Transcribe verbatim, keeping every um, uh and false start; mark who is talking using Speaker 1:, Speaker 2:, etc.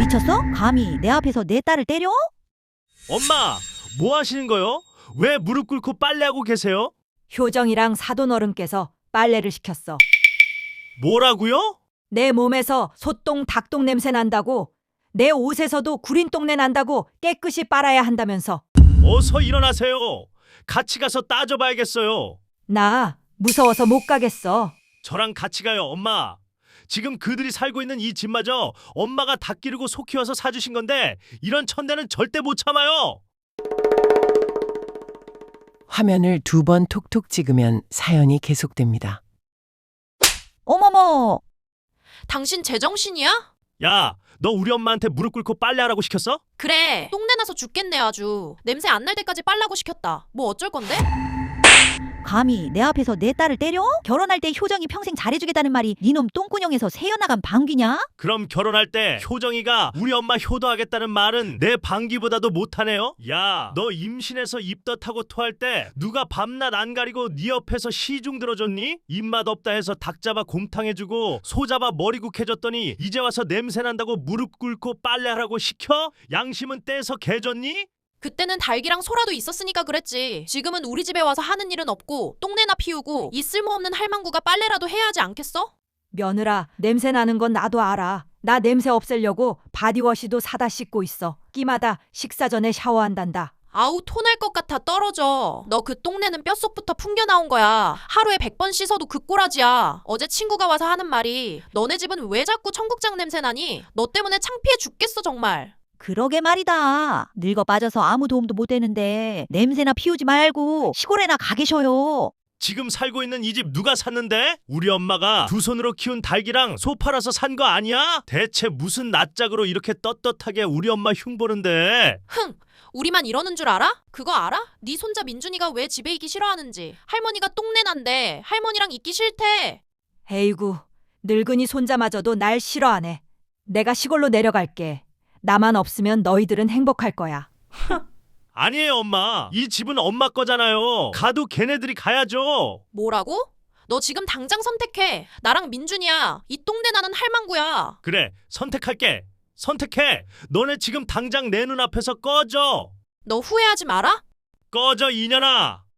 Speaker 1: 미쳤어? 감히 내 앞에서 내 딸을 때려?
Speaker 2: 엄마, 뭐 하시는 거요? 왜 무릎 꿇고 빨래하고 계세요?
Speaker 3: 효정이랑 사돈어른께서 빨래를 시켰어.
Speaker 2: 뭐라고요?
Speaker 3: 내 몸에서 소똥, 닭똥 냄새 난다고, 내 옷에서도 구린 똥내 난다고 깨끗이 빨아야 한다면서.
Speaker 2: 어서 일어나세요. 같이 가서 따져봐야겠어요.
Speaker 3: 나 무서워서 못 가겠어.
Speaker 2: 저랑 같이 가요, 엄마. 지금 그들이 살고 있는 이 집마저 엄마가 닭 기르고 소 키워서 사주신 건데 이런 천대는 절대 못 참아요.
Speaker 4: 화면을 두 번 톡톡 찍으면 사연이 계속됩니다.
Speaker 1: 어머머.
Speaker 5: 당신 제정신이야?
Speaker 2: 야, 너 우리 엄마한테 무릎 꿇고 빨래하라고 시켰어?
Speaker 5: 그래, 똥내 나서 죽겠네 아주. 냄새 안 날 때까지 빨라고 시켰다. 뭐 어쩔 건데?
Speaker 1: 감히 내 앞에서 내 딸을 때려? 결혼할 때 효정이 평생 잘해주겠다는 말이 니놈 똥구녕에서 새어나간 방귀냐?
Speaker 2: 그럼 결혼할 때 효정이가 우리 엄마 효도하겠다는 말은 내 방귀보다도 못하네요? 야, 너 임신해서 입덧하고 토할 때 누가 밤낮 안 가리고 네 옆에서 시중 들어줬니? 입맛 없다 해서 닭 잡아 곰탕 해주고 소 잡아 머리국 해줬더니 이제 와서 냄새 난다고 무릎 꿇고 빨래하라고 시켜? 양심은 떼서 개줬니?
Speaker 5: 그때는 닭이랑 소라도 있었으니까 그랬지. 지금은 우리 집에 와서 하는 일은 없고 똥내나 피우고 이 쓸모없는 할망구가 빨래라도 해야 하지 않겠어?
Speaker 3: 며느라, 냄새 나는 건 나도 알아. 나 냄새 없애려고 바디워시도 사다 씻고 있어. 끼마다 식사 전에 샤워한단다.
Speaker 5: 아우 토날 것 같아 떨어져. 너 그 똥내는 뼛속부터 풍겨 나온 거야. 하루에 백 번 씻어도 그 꼬라지야. 어제 친구가 와서 하는 말이 너네 집은 왜 자꾸 청국장 냄새 나니? 너 때문에 창피해 죽겠어 정말.
Speaker 1: 그러게 말이다. 늙어 빠져서 아무 도움도 못 되는데 냄새나 피우지 말고 시골에나 가 계셔요.
Speaker 2: 지금 살고 있는 이 집 누가 샀는데? 우리 엄마가 두 손으로 키운 닭이랑 소 팔아서 산 거 아니야? 대체 무슨 낯짝으로 이렇게 떳떳하게 우리 엄마 흉보는데?
Speaker 5: 흥! 우리만 이러는 줄 알아? 그거 알아? 네 손자 민준이가 왜 집에 있기 싫어하는지. 할머니가 똥내 난대. 할머니랑 있기 싫대.
Speaker 3: 에이구, 늙은이 손자마저도 날 싫어하네. 내가 시골로 내려갈게. 나만 없으면 너희들은 행복할 거야.
Speaker 2: 아니에요, 엄마. 이 집은 엄마 거잖아요. 가도 걔네들이 가야죠.
Speaker 5: 뭐라고? 너 지금 당장 선택해. 나랑 민준이야. 이 똥내 나는 할망구야.
Speaker 2: 그래, 선택할게. 선택해. 너네 지금 당장 내 눈앞에서 꺼져.
Speaker 5: 너 후회하지 마라.
Speaker 2: 꺼져, 이년아.